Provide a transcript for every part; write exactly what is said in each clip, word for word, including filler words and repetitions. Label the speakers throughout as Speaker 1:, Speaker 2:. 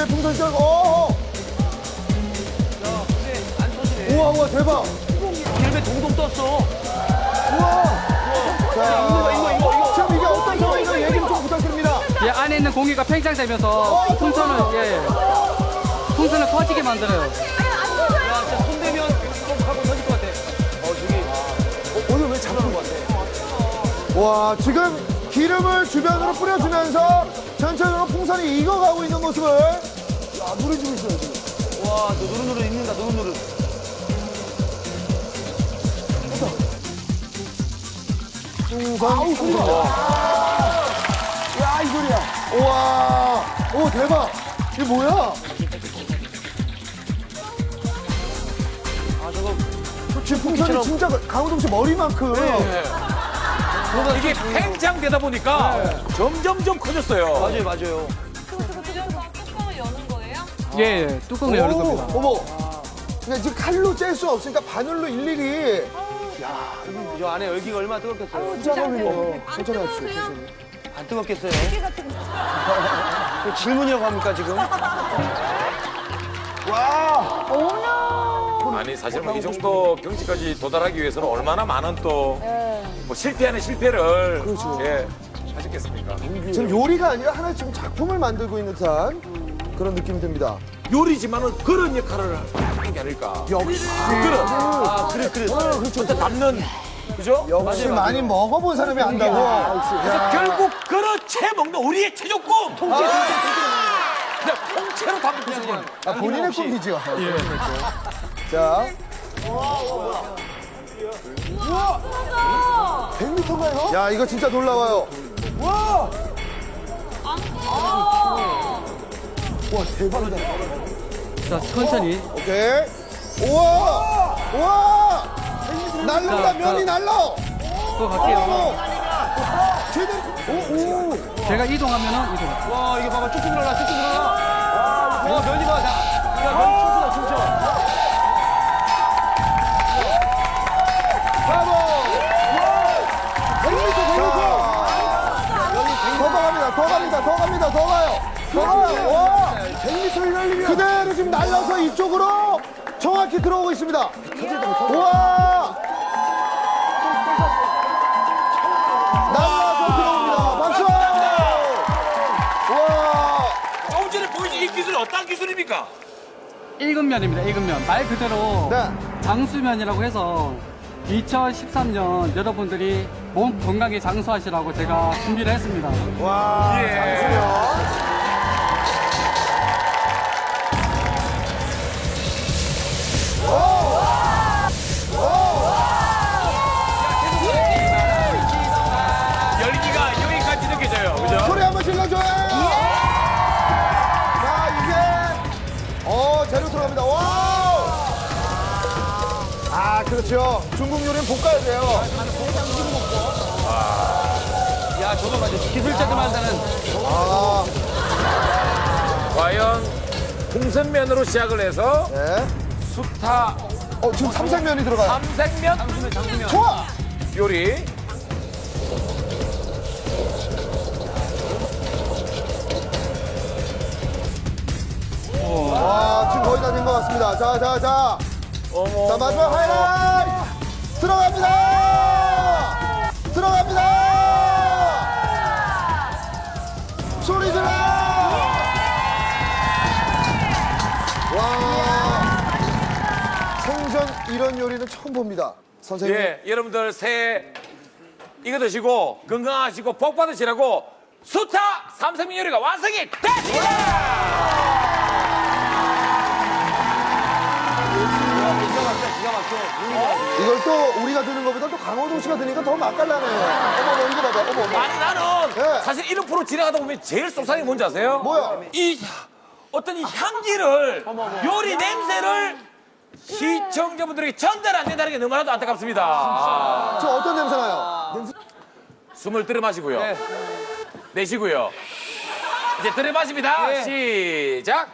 Speaker 1: 기름에 풍선 쩔, 어.
Speaker 2: 야, 근데 안 터지네.
Speaker 1: 우와, 우와, 대박.
Speaker 2: 기름에 동동 떴어.
Speaker 1: 우와. 자,
Speaker 2: 이거, 이거, 이거, 이거.
Speaker 1: 지금 이게 어떤 상황인가 얘기 좀 부탁드립니다.
Speaker 3: 예, 안에 있는 공기가 팽창되면서 풍선을 예, 풍선을 커지게 만들어요.
Speaker 2: 야, 진짜 손 대면 꼭 하고 터질 것 같아. 어, 저기.
Speaker 1: 어, 오늘 왜 잡는 것 같아? 와, 지금 기름을 주변으로 뿌려주면서 전체적으로 풍선이 익어가고 있는 모습을 야, 누려주고 있어요, 지금.
Speaker 2: 와, 너 노릇노릇 익는다, 노릇노릇.
Speaker 1: 풍선, 풍선. 야, 이 소리야. 우와, 오, 대박. 이게 뭐야?
Speaker 2: 아, 저거.
Speaker 1: 지금 풍선이 진짜 강호동 씨 머리만큼.
Speaker 4: 이게 팽창되다 보니까 점점점 커졌어요.
Speaker 2: 맞아요, 맞아요.
Speaker 5: 그래서 뚜껑을 여는 거예요?
Speaker 3: 예, 예, 뚜껑을 열는 겁니다.
Speaker 1: 어머. 그냥 지금 칼로 짤 수 없으니까 바늘로 일일이.
Speaker 2: 저 안에 열기가 얼마나 뜨겁겠어요.
Speaker 1: 짜장면이요. 천천히 하십시오, 천천히.
Speaker 2: 안 뜨겁겠어요? 그 질문이라고 합니까, 지금?
Speaker 1: 와.
Speaker 4: 아니 사실 뭐 이 정도 경지까지 도달하기 위해서는 얼마나 많은 또 뭐 실패하는 실패를 예, 하셨겠습니까?
Speaker 1: 지금 요리가 아니라 하나의 지금 작품을 만들고 있는 듯한 그런 느낌이 듭니다.
Speaker 4: 요리지만은 그런 역할을 하는 게 아닐까.
Speaker 1: 역시.
Speaker 4: 그런
Speaker 2: 아, 그래, 그래.
Speaker 1: 어, 그렇죠.
Speaker 4: 담는 그죠?
Speaker 1: 역시 많이 먹어본 사람이 안다고.
Speaker 4: 그래서
Speaker 1: 야.
Speaker 4: 결국 그렇게 먹는 우리의 최종 꿈 통째 통째 그냥 통째로 담고 싶은
Speaker 1: 아, 본인의 꿈이죠. 자. 백 미터인가요? 야, 이거 진짜 놀라워요. 와! 와, 대박이다.
Speaker 3: 자, 천천히.
Speaker 1: 오케이. 우와! 우와! 날라온다,
Speaker 3: 자,
Speaker 1: 면이
Speaker 3: 자.
Speaker 1: 날라!
Speaker 3: 또 갈게요.
Speaker 1: 오! 제대로. 오, 오.
Speaker 3: 제가 이동하면은 이동.
Speaker 2: 와, 이게 봐봐. 쭉쭉 늘어나, 쭉쭉 늘어나. 와, 면이 봐. 자, 야, 면이 춤추다, 춤춰.
Speaker 1: 브라보! 백 미터, 백 미터! 더 갑니다, 더 갑니다, 더 갑니다, 더 가요. 더 가요. 와! 백 미터를 열리면 그대로 지금 날라서 이쪽으로 정확히 들어오고 있습니다. 우와! 날라서 들어옵니다. 박수! 우와!
Speaker 4: 조금 전에 보여준 이 기술이 어떤 기술입니까?
Speaker 3: 익은 면입니다. 익은 면. 말 그대로
Speaker 1: 네.
Speaker 3: 장수면이라고 해서 이천십삼 년 여러분들이 몸 건강에 장수하시라고 제가 준비를 했습니다.
Speaker 1: 와!
Speaker 4: 예.
Speaker 1: 장수면.
Speaker 4: 열기가 여기까지 느껴져요. 그죠?
Speaker 1: 소리 한번 질러줘요! 자, 이제, 어, 재료 들어갑니다. 와우! 아, 그렇죠. 중국 요리는 볶아야 돼요.
Speaker 2: 야, 저거 맞아. 기술자들 만드는.
Speaker 1: 아,
Speaker 4: 과연 풍선면으로 시작을 해서
Speaker 1: 네.
Speaker 4: 수타
Speaker 1: 어, 지금 삼색면이 들어가요.
Speaker 4: 삼색면
Speaker 2: 장수면, 장수면.
Speaker 1: 좋아!
Speaker 4: 요리.
Speaker 1: 와, 지금 거의 다 된 것 같습니다. 자, 자, 자.
Speaker 4: 어머.
Speaker 1: 자, 마지막 하이라이트! 들어갑니다! 들어갑니다! 소리 질러! 와. 생전 이런 요리는 처음 봅니다. 선생님.
Speaker 4: 예, 여러분들 새해 이거 드시고 건강하시고 복 받으시라고 수타 삼색면 요리가 완성이 됐습니다.
Speaker 2: 기가 막혀, 기가 막혀.
Speaker 1: 이걸 또 우리가 드는 것보다 또 강호동 씨가 드니까 더 맛깔나네요. 어머, 어머, 이거 봐봐. 어머, 어머.
Speaker 4: 아니 나는
Speaker 1: 네.
Speaker 4: 사실 이런 프로 진행하다 보면 제일 속상한 게 뭔지 아세요?
Speaker 1: 뭐야?
Speaker 4: 이 어떤 이 향기를 요리 냄새를 시청자분들에게 전달 안 된다는 게 너무나도 안타깝습니다.
Speaker 1: 저 어떤 냄새 나요? 냄새.
Speaker 4: 숨을 들여 마시고요.
Speaker 2: 네.
Speaker 4: 내쉬고요. 이제 들여 마십니다.
Speaker 2: 네.
Speaker 4: 시작.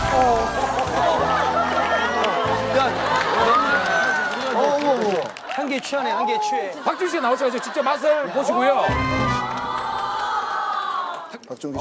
Speaker 2: 야,
Speaker 1: 어, 어머, 어머.
Speaker 2: 향기 한개 취하네, 한 개 취해.
Speaker 4: 박준 씨가 나오셔가지고 직접 맛을 보시고요.
Speaker 1: 박종기